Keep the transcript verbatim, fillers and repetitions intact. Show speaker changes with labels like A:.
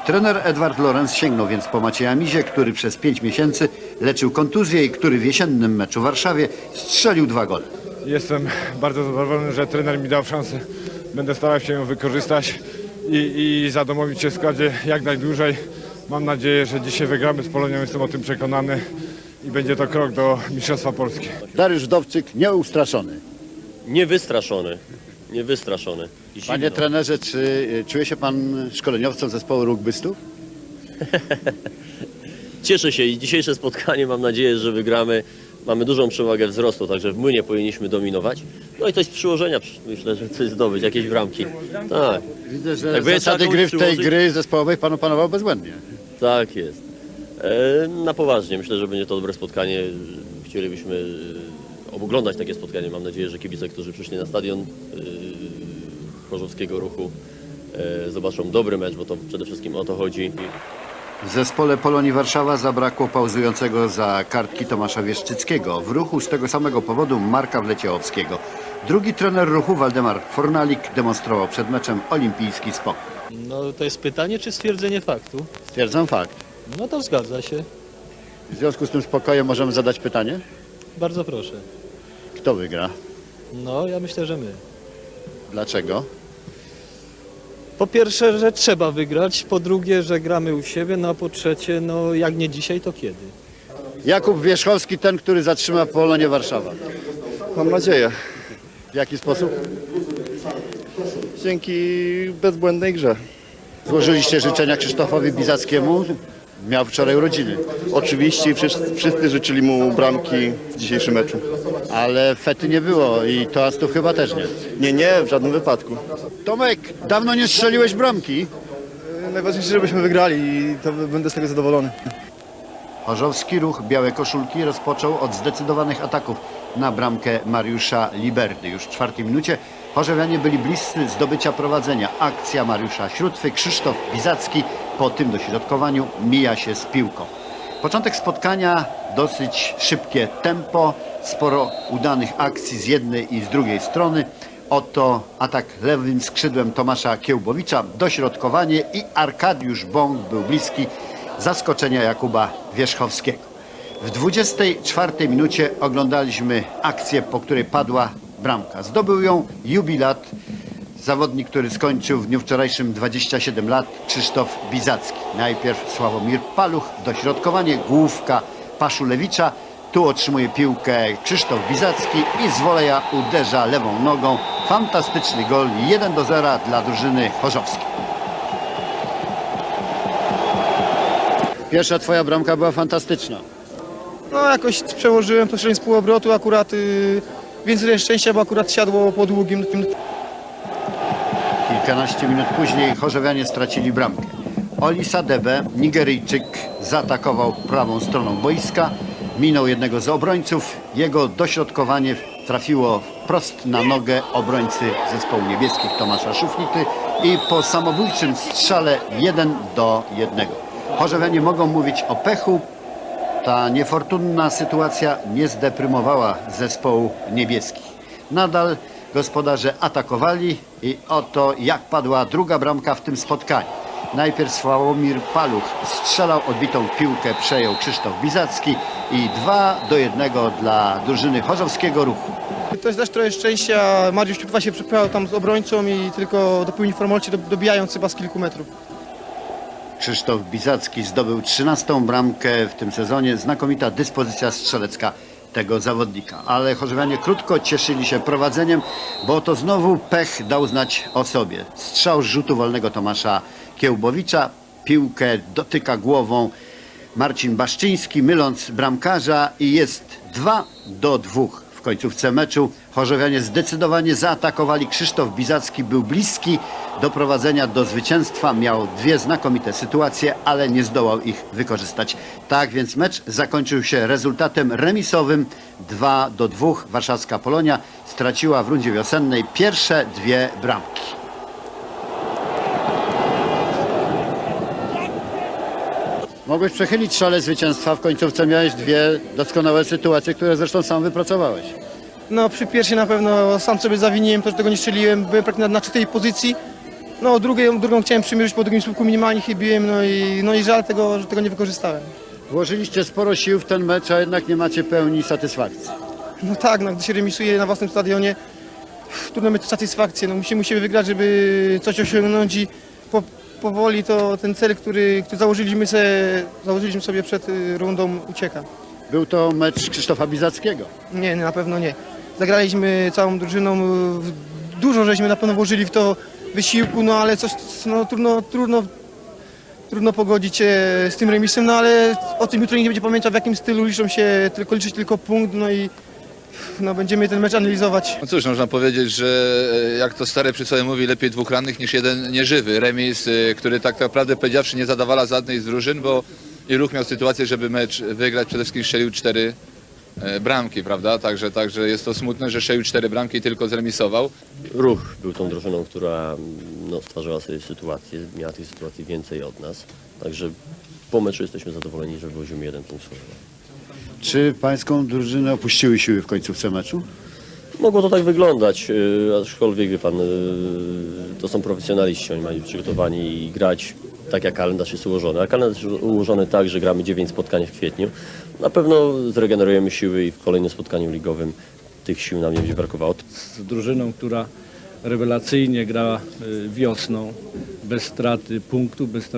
A: Trener Edward Lorenz sięgnął więc po Macieja Mizie, który przez pięć miesięcy leczył kontuzję i który w jesiennym meczu w Warszawie strzelił dwa gole.
B: Jestem bardzo zadowolony, że trener mi dał szansę. Będę starał się ją wykorzystać i, i zadomowić się w składzie jak najdłużej. Mam nadzieję, że dzisiaj wygramy z Polonią, jestem o tym przekonany i będzie to krok do Mistrzostwa Polski.
A: Dariusz Wdowczyk nieustraszony.
C: Niewystraszony, niewystraszony. Zimno.
A: Panie trenerze, czy y, czuje się pan szkoleniowcem zespołu rugbystów?
C: Cieszę się i dzisiejsze spotkanie, mam nadzieję, że wygramy. Mamy dużą przewagę wzrostu, także w młynie powinniśmy dominować. No i coś z przyłożenia, myślę, że coś zdobyć, jakieś bramki. Tak,
A: Widzę, że
C: Jakby
A: zasady
C: taką
A: gry w tej
C: przyłożyć-
A: gry zespołowej pan opanował bezbłędnie.
C: tak jest. E, na poważnie, myślę, że będzie to dobre spotkanie. Chcielibyśmy e, oglądać takie spotkanie. Mam nadzieję, że kibice, którzy przyszli na stadion e, Chorzowskiego Ruchu, e, zobaczą dobry mecz, bo to przede wszystkim o to chodzi.
A: W zespole Polonii Warszawa zabrakło pauzującego za kartki Tomasza Wieszczyckiego. W Ruchu z tego samego powodu Marka Wleciechowskiego. Drugi trener Ruchu, Waldemar Fornalik, demonstrował przed meczem olimpijski spokój.
D: No to jest pytanie czy stwierdzenie faktu?
A: Stwierdzam fakt.
D: No to zgadza się.
A: W związku z tym spokojem możemy zadać pytanie?
D: Bardzo proszę.
A: Kto wygra?
D: No ja myślę, że my.
A: Dlaczego?
D: Po pierwsze, że trzeba wygrać, po drugie, że gramy u siebie, no a po trzecie, no jak nie dzisiaj, to kiedy?
A: Jakub Wierzchowski, ten, który zatrzyma Polonię Warszawa.
E: Mam nadzieję.
A: W jaki sposób?
E: Dzięki bezbłędnej grze.
A: Złożyliście życzenia Krzysztofowi Bizackiemu. Miał wczoraj urodziny,
E: Oczywiście wszyscy, wszyscy życzyli mu bramki w dzisiejszym meczu.
A: ale fety nie było i toastów chyba też nie.
E: Nie, nie, w żadnym wypadku.
A: Tomek, dawno nie strzeliłeś bramki.
E: Najważniejsze, żebyśmy wygrali i to będę z tego zadowolony.
A: Chorzowski Ruch Białe Koszulki rozpoczął od zdecydowanych ataków na bramkę Mariusza Liberdy. Już w czwartej minucie chorzowianie byli bliscy zdobycia prowadzenia. Akcja Mariusza Śrótwy, Krzysztof Bizacki po tym dośrodkowaniu mija się z piłką. Początek spotkania, dosyć szybkie tempo, sporo udanych akcji z jednej i z drugiej strony. Oto atak lewym skrzydłem Tomasza Kiełbowicza, dośrodkowanie i Arkadiusz Bąk był bliski zaskoczenia Jakuba Wierzchowskiego. W dwudziestej czwartej minucie oglądaliśmy akcję, po której padła bramka. Zdobył ją jubilat, zawodnik, który skończył w dniu wczorajszym dwadzieścia siedem lat, Krzysztof Bizacki. Najpierw Sławomir Paluch, dośrodkowanie, główka Paszulewicza. Tu otrzymuje piłkę Krzysztof Bizacki i z woleja uderza lewą nogą. Fantastyczny gol, jeden do zera dla drużyny chorzowskiej. Pierwsza twoja bramka była fantastyczna.
F: No jakoś przełożyłem to z półobrotu, akurat y, więcej szczęścia, bo akurat siadło po długim.
A: Kilkanaście minut później chorzowianie stracili bramkę. Oli Sadebe, Nigeryjczyk, zaatakował prawą stroną boiska, minął jednego z obrońców. Jego dośrodkowanie trafiło wprost na nogę obrońcy zespołu niebieskich Tomasza Szuflity i po samobójczym strzale jeden do jednego. Chorzowianie mogą mówić o pechu. Ta niefortunna sytuacja nie zdeprymowała zespołu niebieskich. Nadal gospodarze atakowali i oto jak padła druga bramka w tym spotkaniu. Najpierw Sławomir Paluch strzelał, odbitą piłkę przejął Krzysztof Bizacki i dwa do jednego dla drużyny Chorzowskiego Ruchu.
F: To jest też trochę szczęścia, Mariusz Ciutwa się przepychał tam z obrońcą i tylko dopełnił formalności, dobijając chyba z kilku metrów.
A: Krzysztof Bizacki zdobył trzynastą bramkę w tym sezonie. Znakomita dyspozycja strzelecka tego zawodnika. Ale chorzowianie krótko cieszyli się prowadzeniem, bo to znowu pech dał znać o sobie. Strzał z rzutu wolnego Tomasza Kiełbowicza. Piłkę dotyka głową Marcin Baszczyński, myląc bramkarza i jest dwa do dwóch. W końcówce meczu chorzowianie zdecydowanie zaatakowali. Krzysztof Bizacki był bliski doprowadzenia do zwycięstwa. Miał dwie znakomite sytuacje, ale nie zdołał ich wykorzystać. Tak więc mecz zakończył się rezultatem remisowym dwa do dwóch. Warszawska Polonia straciła w rundzie wiosennej pierwsze dwie bramki. Mogłeś przechylić szale zwycięstwa. W końcówce miałeś dwie doskonałe sytuacje, które zresztą sam wypracowałeś.
F: No przy pierwszej na pewno sam sobie zawiniłem to, że tego nie strzeliłem, byłem praktycznie na, na czytej pozycji. No drugą, drugą chciałem przymierzyć, po drugim słupku minimalnie chybiłem, no i, no i żal tego, że tego nie wykorzystałem.
A: Włożyliście sporo sił w ten mecz, a jednak nie macie pełni satysfakcji.
F: No tak, no, gdy się remisuje na własnym stadionie, trudno mieć satysfakcję. No, musimy, musimy wygrać, żeby coś osiągnąć i po, powoli to ten cel, który, który założyliśmy, sobie, założyliśmy sobie przed y, rundą, ucieka.
A: Był to mecz Krzysztofa Bizackiego.
F: Nie, na pewno nie. Zagraliśmy całą drużyną, y, dużo żeśmy na pewno włożyli w to wysiłku, no ale coś, no, trudno, trudno, trudno pogodzić się z tym remisem, no ale o tym jutro nikt nie będzie pamiętał, w jakim stylu liczą się, tylko liczyć tylko punkt, no i no, będziemy ten mecz analizować.
G: No cóż, można powiedzieć, że e, jak to stare przysłowie mówi, lepiej dwóch rannych niż jeden nieżywy. Remis, e, który tak naprawdę powiedziawszy nie zadawala żadnej z drużyn, bo i Ruch miał sytuację, żeby mecz wygrać, przede wszystkim strzelił cztery e, bramki, prawda? Także, także jest to smutne, że strzelił cztery bramki i tylko zremisował.
C: Ruch był tą drużyną, która no, stwarzała sobie sytuację, miała tych sytuacji więcej od nas. Także po meczu jesteśmy zadowoleni, że wywozimy jeden punkt z Chorzowa.
A: Czy pańską drużynę opuściły siły w końcówce meczu?
C: Mogło to tak wyglądać, yy, aczkolwiek wie pan, yy, to są profesjonaliści, oni mają być przygotowani i grać tak jak kalendarz jest ułożony. A kalendarz jest ułożony tak, że gramy dziewięć spotkań w kwietniu. Na pewno zregenerujemy siły i w kolejnym spotkaniu ligowym tych sił nam nie będzie brakowało.
H: Z drużyną, która rewelacyjnie gra y, wiosną, bez straty punktu, bez straty